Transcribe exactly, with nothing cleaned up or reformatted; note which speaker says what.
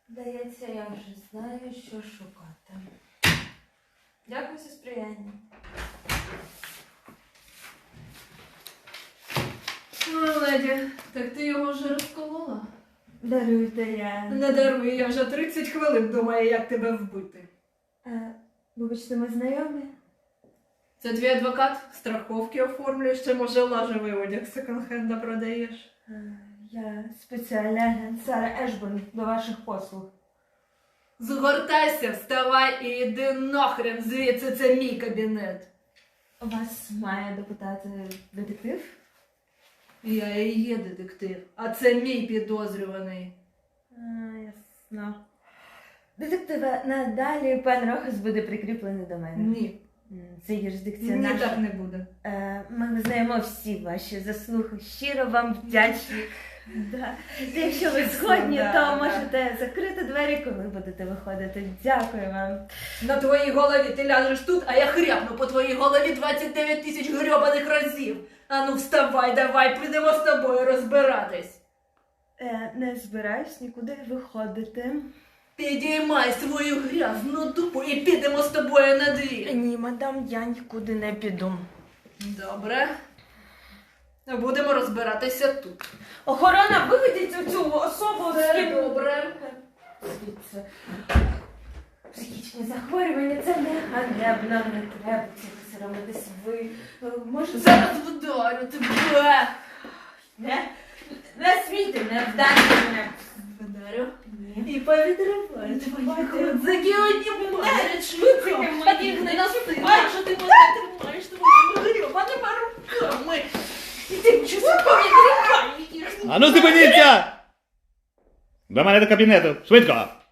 Speaker 1: Здається, я вже знаю, що шукати. Дякую за сприяння.
Speaker 2: Ну, леді, так ти його вже розколола?
Speaker 1: Даруйте, я...
Speaker 2: Не даруй, я вже тридцять хвилин думаю, як тебе вбити.
Speaker 1: Е, вибачте, ми знайомі?
Speaker 2: Це твій адвокат? Страховки оформлюєш, чи може лажевий одяг секонд-хенда продаєш?
Speaker 1: Е, я спеціальний агент Сара Ешборн до ваших послуг.
Speaker 2: Згортайся, вставай і йди нахрен звідси, це мій кабінет.
Speaker 1: Вас має допитати детектив?
Speaker 2: Я і є детектив, а це мій підозрюваний.
Speaker 1: А, ясно. Детективе, надалі пан Рохас буде прикріплений до мене.
Speaker 2: Ні,
Speaker 1: М, Це юрисдикція
Speaker 2: ні,
Speaker 1: наша.
Speaker 2: так не буде.
Speaker 1: Е, Ми визнаємо всі ваші заслуги. Щиро вам вдячні. Да. Якщо ви згодні,
Speaker 2: Да,
Speaker 1: то
Speaker 2: да.
Speaker 1: можете закрити двері, коли будете виходити. Дякую вам.
Speaker 2: На твоїй голові ти ляжеш тут, а я хряпну по твоїй голові двадцять дев'ять тисяч грьобаних разів. Ану вставай, давай, підемо з тобою розбиратись.
Speaker 1: Е, не збираюсь нікуди виходити.
Speaker 2: Підіймай свою грязну дупу і підемо з тобою на двір.
Speaker 1: Ні, мадам, я нікуди не піду.
Speaker 2: Добре. Будемо розбиратися тут.
Speaker 1: Охорона, виведіть цю особу з
Speaker 2: Все
Speaker 1: ким-
Speaker 2: добре.
Speaker 1: Звідси. Психічні захворювання, це не ганебно, не треба цим соромитись. Ви е, можете...
Speaker 2: Зараз вдарю тебе.
Speaker 1: Не, не смійте, не вдарте мене.
Speaker 2: Вдарю.
Speaker 1: Ні.
Speaker 2: І повідриваю твої ходзики одні марять.
Speaker 1: Швидко,
Speaker 2: Моїх не настигла, що ти мене тримаєш твоїми грьобаними руками. І ти чого повідриваєш?
Speaker 3: Ану зупиніться! До мене до кабінету, швидко!